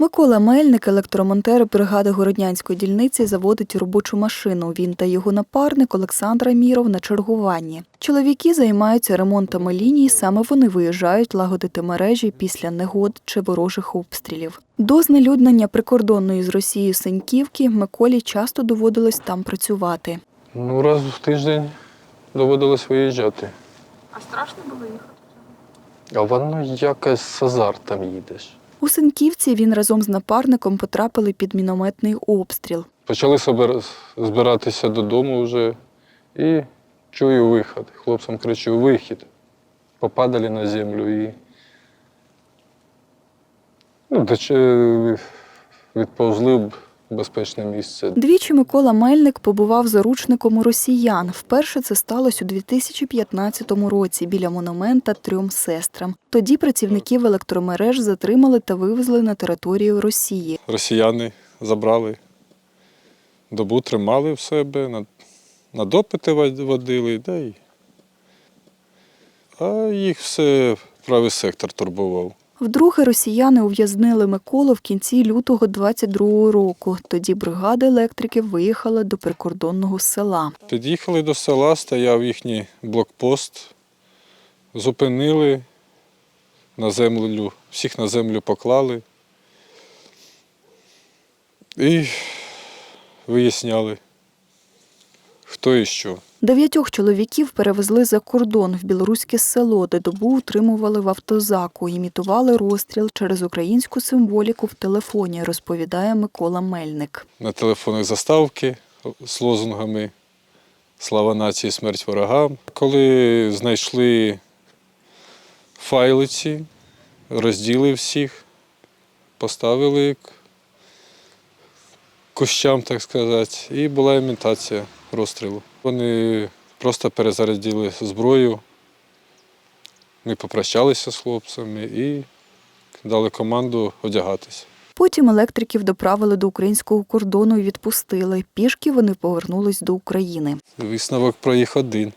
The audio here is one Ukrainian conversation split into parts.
Микола Мельник, електромонтер бригади Городнянської дільниці, заводить робочу машину. Він та його напарник Олександр Аміров на чергуванні. Чоловіки займаються ремонтами ліній, саме вони виїжджають лагодити мережі після негод чи ворожих обстрілів. До знелюднення прикордонної з Росією Синьківки Миколі часто доводилось там працювати. Раз в тиждень доводилось виїжджати. А страшно було їхати? А воно якось з азартом їдеш. У Синьківці він разом з напарником потрапили під мінометний обстріл. Почали збиратися додому вже і чую вихід. Хлопцям кричу: вихід. Попадали на землю і відповзли в безпечне місце. Двічі Микола Мельник побував заручником у росіян. Вперше це сталося у 2015 році біля монумента трьом сестрам. Тоді працівників електромереж затримали та вивезли на територію Росії. Росіяни забрали, добу тримали в себе, на допити водили, а їх все правий сектор турбував. Вдруге росіяни ув'язнили Миколу в кінці лютого 22-го року. Тоді бригада електриків виїхала до прикордонного села. Під'їхали до села, стояв їхній блокпост, зупинили на землю, всіх на землю поклали і виясняли, хто і що. 9 чоловіків перевезли за кордон в білоруське село, де добу утримували в автозаку, імітували розстріл через українську символіку в телефоні, розповідає Микола Мельник. На телефонах заставки з лозунгами «Слава нації, смерть ворогам». Коли знайшли файли ці, розділи всіх, поставили к кущам, так сказати, і була імітація розстрілу. Вони просто перезарядили зброю, ми попрощалися з хлопцями і дали команду одягатися. Потім електриків доправили до українського кордону і відпустили. Пішки вони повернулись до України. Висновок про їх один.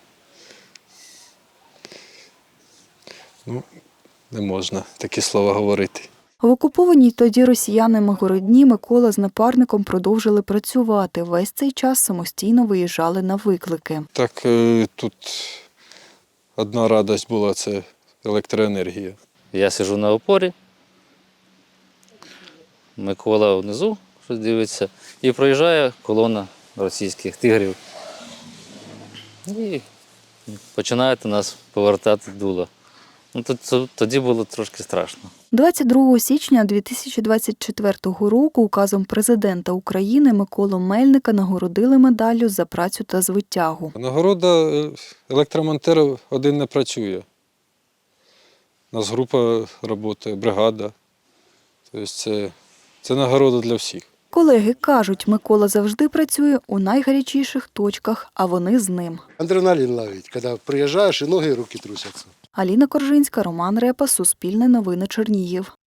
Не можна такі слова говорити. В окупованій тоді росіянами Городні Микола з напарником продовжили працювати. Весь цей час самостійно виїжджали на виклики. Так тут одна радість була – це електроенергія. Я сиджу на опорі, Микола внизу щось дивиться, і проїжджає колона російських тигрів. І починають нас повертати дуло. Тоді було трошки страшно. 22 січня 2024 року указом президента України Миколу Мельника нагородили медаллю за працю та звитягу. Нагорода електромонтерів один не працює. У нас група працює, бригада. Тобто це нагорода для всіх. Колеги кажуть, Микола завжди працює у найгарячіших точках, а вони з ним. Адреналін ловить, коли приїжджаєш і ноги, і руки трусяться. Аліна Коржинська, Роман Репа, Суспільне новини Чернігів.